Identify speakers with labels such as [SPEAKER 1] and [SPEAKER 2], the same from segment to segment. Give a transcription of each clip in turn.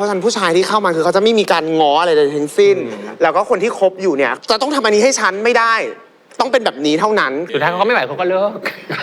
[SPEAKER 1] ราะฉะนั้นผู้ชายที่เข้ามาคือเขาจะไม่มีการง้ออะไรเลยทั้งสิ้นแล้วก็คนที่คบอยู่เนี่ยจะต้องทำอันนี้ให้ฉันไม่ได้ต้องเป็นแบบนี้เท่านั้น
[SPEAKER 2] สุดท้ายเขาก็ไม่ไหวเขาก็เลิก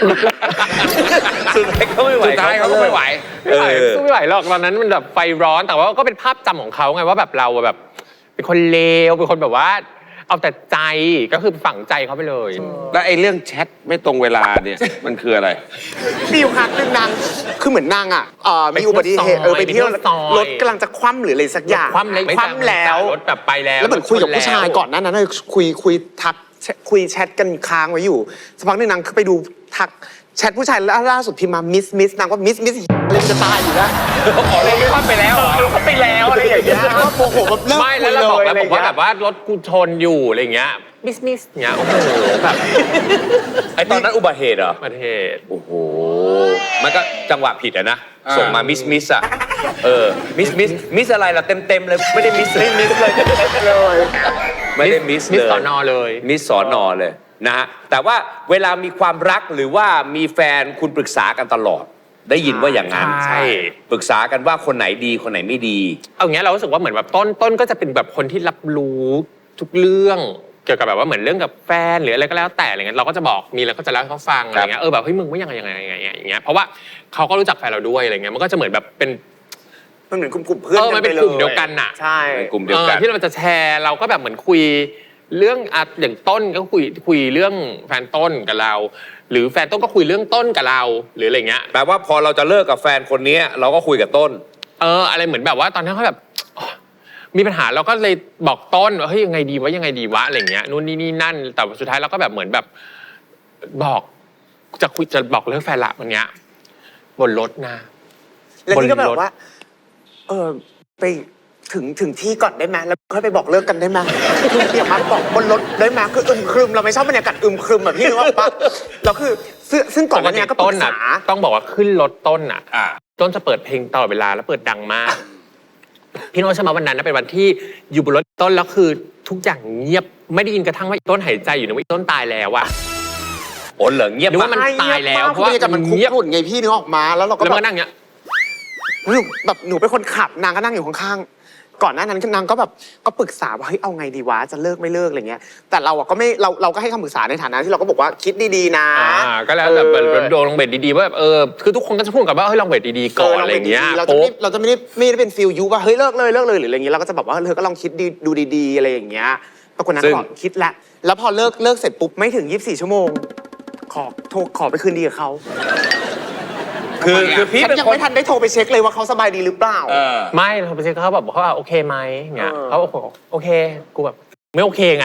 [SPEAKER 3] สุดท้ายเขาไม่ไหว
[SPEAKER 2] สุดท้ายเขาก็ไม่ไหวสู้ไม่ไหวหรอกตอนนั้นมันแบบไฟร้อนแต่ว่าก็เป็นภาพจำของเขาไงว่าแบบเราแบบเป็นคนเลวเป็นคนแบบว่าเอาแต่ใจก็คือฝังใจเขาไปเลย
[SPEAKER 3] แล้วไอ้เรื่องแชทไม่ตรงเวลาเนี่ยมันคืออะไร
[SPEAKER 1] มีอยู่ครั้งหนึ่งนางคือเหมือนนางอ่ะมีอุบัติเหตุไปเที่ยวรถกำลังจะคว่ำหรืออะไรสักอย่าง
[SPEAKER 2] คว่ำแล้วรถแบบไปแล้ว
[SPEAKER 1] เหมือนคุยกับผู้ชายก่อนนั้นคุยทักคุยแชทกันค้างไว้อยู่สักพักหนึ่งนางไปดูทักแชทผู้ชายล่าสุดพิมพ์มามิสนางก็มิสอะไรจะตายอยู่แล้ว
[SPEAKER 2] อะไรไม่เข้าไปแล้ว
[SPEAKER 1] เขาไปแล้วอะไรอย่างเงี้ยโมโหแบบเลิก
[SPEAKER 2] ไม่แล้วเราบอกแล้วบอกว่าแบบว่ารถกูชนอยู่อะไรเงี้ยมิสเงี้ยโอ้โหแบบ
[SPEAKER 3] ไอตอนนั้นอุบัติเหตุเหรอ
[SPEAKER 2] อุบัติเหตุ
[SPEAKER 3] โอ้โหมันก็จังหวะผิดอะนะส่งมามิสอะมิสอะไรล่ะเต็มเลยไม่ได้มิสเลยไม่ได้มิสเลย
[SPEAKER 2] มิสสอนอเลย
[SPEAKER 3] มิสสอนอเลยนะฮะแต่ว่าเวลามีความรักหรือว่ามีแฟนคุณปรึกษากันตลอดได้ยินว่าอย่างนั้น
[SPEAKER 2] ใช่
[SPEAKER 3] ปรึกษากันว่าคนไหนดีคนไหนไม่ดี
[SPEAKER 2] เอาอย่างเงี้ยเรารู้สึกว่าเหมือนแบบต้นก็จะเป็นแบบคนที่รับรู้ทุกเรื่องเกี่ยวกับแบบว่าเหมือนเรื่องกับแฟนหรืออะไรก็แล้วแต่อะไรเงี้ยเราก็จะบอกมีแล้วก็จะเล่าให้เขาฟังอะไรเงี้ยแบบเฮ้ยมึงว่ายังไงอย่างเงี้ยเพราะว่าเขาก็รู้จักแฟนเราด้วยอะไรเงี้ยมันก็จะเหมือนแบบเป็น
[SPEAKER 1] มันเหมือนกลุ่มเพื่อน
[SPEAKER 2] มันเป็นกลุ่มเดียวกันน่ะ
[SPEAKER 1] ใช่
[SPEAKER 3] กลุ่มเดียวกัน
[SPEAKER 2] ที่เราจะแชร์เราก็แบบเหมือนคุยเรื่องอย่างต้นก็คุยเรื่องแฟนต้นกับเราหรือแฟนต้นก็คุยเรื่องต้นกับเราหรืออะไรเงี้ย
[SPEAKER 3] แปลว่าพอเราจะเลิกกับแฟนคนนี้เราก็คุยกับต้น
[SPEAKER 2] อะไรเหมือนแบบว่าตอนนั้นเขาแบบมีปัญหาเราก็เลยบอกต้นว่าเฮ้ยยังไงดีวะอะไรเงี้ยนู่นนี่นั่นแต่สุดท้ายเราก็แบบเหมือนแบบบอกจะบอกเรื่องแฟนละวันเนี้ยบนรถนะ
[SPEAKER 1] แล้วนี่ก็แบบว่าไปถึงที่ก่อนได้ไหมแล้วค่อยไปบอกเลิกกันได้ไหมคืออย่ามาบอกบนรถได้ไหมคือครึมเราไม่ชอบบรรยากาศครึมแบบพี่นึกว่าปะเราคือซึ่งก่อนหน้านี้ก็ปรึกษา
[SPEAKER 2] ต้องบอกว่าขึ้นรถต้นอ่ะต้นจะเปิดเพลงตลอดเวลาแล้วเปิดดังมากพี่โน้ตใช่ไหมวันนั้นเป็นวันที่อยู่บนรถต้นแล้วคือทุกอย่างเงียบไม่ได้ยินกระทั่งว่าต้นหายใจอยู่นะว่าต้นตายแล้วอะ
[SPEAKER 3] โอ้เหรอเงียบ
[SPEAKER 2] ว่ามันตายแล้วเพราะว่า
[SPEAKER 1] มันเงียบหุ่นไงพี่นึกออกมาแล้วเราก็
[SPEAKER 2] แบบนั่งเงี้ย
[SPEAKER 1] แบบหนูเป็นคนขับนางก็นั่งอยู่ข้างๆก่อนหน้านั้นนางก็แบบก็ปรึกษาว่าเฮ้ยเอาไงดีวะจะเลิกไม่เลิกอะไรเงี้ยแต่เราก็ไม่เราก็ให้คำปรึกษาในฐานะที่เราก็บอกว่าคิดดีๆนะ
[SPEAKER 2] ก็แล้วแต่โดนลงเบ็ดดีๆว่าแบบคือทุกคนก็จะพูดกับว่าเฮ้ยลองเบ็ดดีๆก่อนอะไรเงี้ย
[SPEAKER 1] เราจะไม่ได้เป็นฟิลยูว่าเฮ้ยเลิกเลยหรืออะไรเงี้ยเราก็จะแบบว่าเธอก็ลองคิดดูดีๆอะไรอย่างเงี้ยปรากฏนั้นก็คิดแล้วพอเลิกเสร็จปุ๊บไม่ถึง24 ชั่วโมงขอไปคืนดีกับเขา
[SPEAKER 3] คือพี่
[SPEAKER 1] ยังไม่ทันได้โทรไปเช็คเลยว่าเขาสบายดีหรือเปล่า
[SPEAKER 2] ไม่เราไปเช็คเขาแบบเขาโอเคไหมเงี้ยเขาโอเคกูแบบไม่โอเคไง